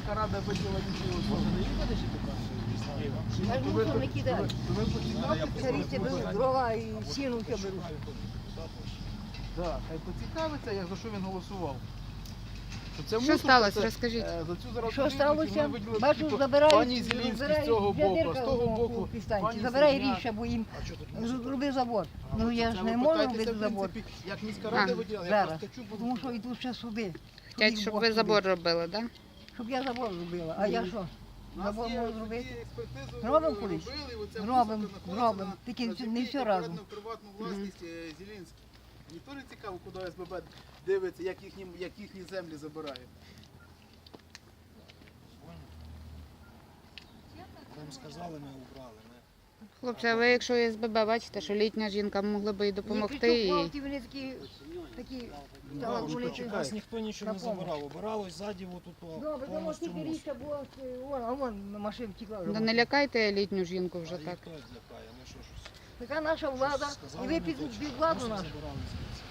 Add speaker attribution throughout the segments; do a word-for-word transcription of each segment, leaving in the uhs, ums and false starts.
Speaker 1: міська рада виділила інші особи.
Speaker 2: Я ж мусор не кидаю.
Speaker 1: Ви поцікавитеся?
Speaker 2: Царіці беруть дрова і сіну все беруть.
Speaker 1: Так, хай поцікавиться, як за що він голосував. Це
Speaker 3: Що
Speaker 1: мусор,
Speaker 3: сталося?
Speaker 1: це,
Speaker 3: Розкажіть.
Speaker 1: е, За цю зараз
Speaker 2: Що
Speaker 1: будівлю
Speaker 2: сталося?
Speaker 1: вони виділили
Speaker 2: Бачу,
Speaker 1: скільки
Speaker 2: забирають,
Speaker 1: пані Зілінський з цього боку, а з того боку пані
Speaker 2: Забирай
Speaker 1: Зеленяк.
Speaker 2: ріша, бо їм зробив забор. Ну я
Speaker 1: Це
Speaker 2: ж
Speaker 1: ви
Speaker 2: не можу
Speaker 1: питайтеся,
Speaker 2: робити
Speaker 1: в
Speaker 2: забор.
Speaker 1: принципі, як міська рада
Speaker 3: А,
Speaker 1: виділила, я
Speaker 2: Зараз.
Speaker 1: просто чу буду.
Speaker 2: Тому що йдуть ще суди.
Speaker 3: Хотять, щоб ви забор робили, так?
Speaker 2: Щоб я забор зробила. А я що?
Speaker 1: У нас
Speaker 2: Забор
Speaker 1: є
Speaker 2: можу
Speaker 1: тоді
Speaker 2: зробити?
Speaker 1: експертизу
Speaker 2: Робимо
Speaker 1: робили,
Speaker 2: колись?
Speaker 1: і оця
Speaker 2: Робимо,
Speaker 1: мусорка знаходиться
Speaker 2: робимо.
Speaker 1: на-
Speaker 2: Тільки
Speaker 1: на
Speaker 2: не
Speaker 1: землі,
Speaker 2: все
Speaker 1: яка
Speaker 2: разом.
Speaker 1: передана в приватну власність е, Зілінській. Ніхто не цікаво, куди СББ дивиться, як їхні, як їхні землі забирають.
Speaker 4: Нам сказали, ми убрали. Ми...
Speaker 3: Хлопці, а ви, якщо є СББ, бачите, що літня жінка могла би і допомогти. І...
Speaker 2: Хлопці, вони такі, такі, стали
Speaker 4: Ну,
Speaker 2: вони
Speaker 4: почекай, нас ніхто нічого не
Speaker 2: на помощь.
Speaker 4: забирав. Обиралось ззаді отут
Speaker 2: Добре, тому
Speaker 4: повністю
Speaker 2: тільки
Speaker 4: мусор.
Speaker 2: річка була, вон, а вон машина втекла. вже.
Speaker 3: Да не лякайте літню жінку
Speaker 4: А
Speaker 3: вже
Speaker 4: їх
Speaker 3: так.
Speaker 4: хто злякає? Ми що, щось
Speaker 2: Така наша влада,
Speaker 4: сказали,
Speaker 2: і ви
Speaker 4: не
Speaker 2: під,
Speaker 4: хочемо.
Speaker 2: під владу
Speaker 4: Мусор
Speaker 2: нашу.
Speaker 4: забирали звідси.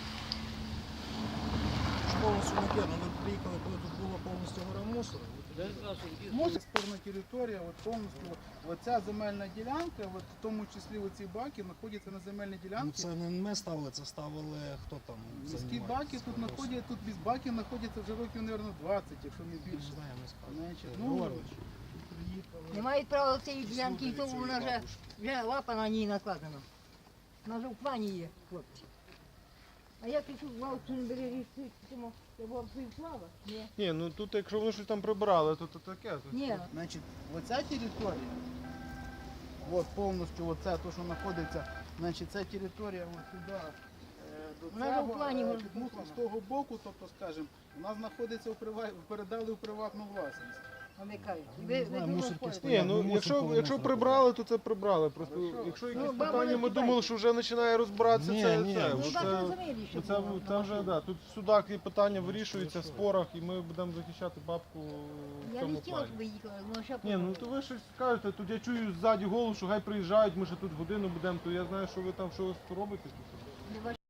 Speaker 4: Ж повністю не кидно. Ми приїхали, коли тут було повністю гора мусору.
Speaker 1: Мусор. Спорна територія, от повністю, от, оця земельна ділянка, от, в тому числі оці баки, знаходяться на земельній
Speaker 4: Ну,
Speaker 1: ділянці.
Speaker 4: це не ми ставили, це ставили хто там.
Speaker 1: Міські
Speaker 4: займається
Speaker 1: баки
Speaker 4: цим
Speaker 1: тут
Speaker 4: вопросом.
Speaker 1: знаходяться, тут без баки знаходяться вже років, мабуть, двадцять, якщо не
Speaker 4: Не
Speaker 1: більше.
Speaker 4: знаю, не скажу.
Speaker 1: Значить,
Speaker 4: Е,
Speaker 1: ну,
Speaker 4: Григорович,
Speaker 2: Не мають права цієї ділянки, і
Speaker 4: слухай
Speaker 2: тому
Speaker 4: цієї
Speaker 2: вона вже,
Speaker 4: бабушки.
Speaker 2: вже лапа на ній накладена. Вона вже в плані є, хлопці. А я пишу, вау, не бери річці, тому я була б слава. Ні.
Speaker 5: Ні, ну тут якщо вони щось там прибрали, то, то таке. То...
Speaker 2: Ні.
Speaker 1: Значить, оця територія, от повністю оце, то, що знаходиться, значить, ця територія от сюди, е, до
Speaker 2: Вона вже в
Speaker 1: цього,
Speaker 2: плані
Speaker 1: е,
Speaker 2: може
Speaker 1: під мусором
Speaker 2: бути.
Speaker 1: з того боку, тобто, скажімо, вона знаходиться у прива... передали у приватну власність.
Speaker 2: А не кажуть.
Speaker 4: Ну,
Speaker 2: Ви,
Speaker 4: не
Speaker 2: ви
Speaker 4: знаю,
Speaker 2: думали,
Speaker 4: мусорки
Speaker 2: ходите?
Speaker 4: стоять.
Speaker 5: Ні, ну
Speaker 4: Мусор
Speaker 5: якщо,
Speaker 4: повинен
Speaker 5: якщо
Speaker 4: зробити.
Speaker 5: прибрали, то це прибрали. Просто
Speaker 1: Хорошо.
Speaker 5: якщо
Speaker 2: Ну,
Speaker 5: якісь
Speaker 2: баба
Speaker 5: питання,
Speaker 2: не
Speaker 5: ми
Speaker 2: кидайте.
Speaker 5: думали, що вже починає розбиратися,
Speaker 4: Ні,
Speaker 5: це,
Speaker 4: ні.
Speaker 5: це,
Speaker 4: Ну,
Speaker 2: Ну,
Speaker 5: це,
Speaker 2: бачу, розумієте, що
Speaker 5: це,
Speaker 2: було.
Speaker 5: це вже, да, тут в судах і питання вирішуються в спорах, і ми будемо захищати бабку в
Speaker 2: Я не
Speaker 5: цьому
Speaker 2: хотіла,
Speaker 5: плані.
Speaker 2: щоб ви їхали, ну ще
Speaker 5: Ні, ну то ви щось скажете, тут я чую ззаді голос, що хай приїжджають, ми ще тут годину будемо, то я знаю, що ви там, що ви робите тут.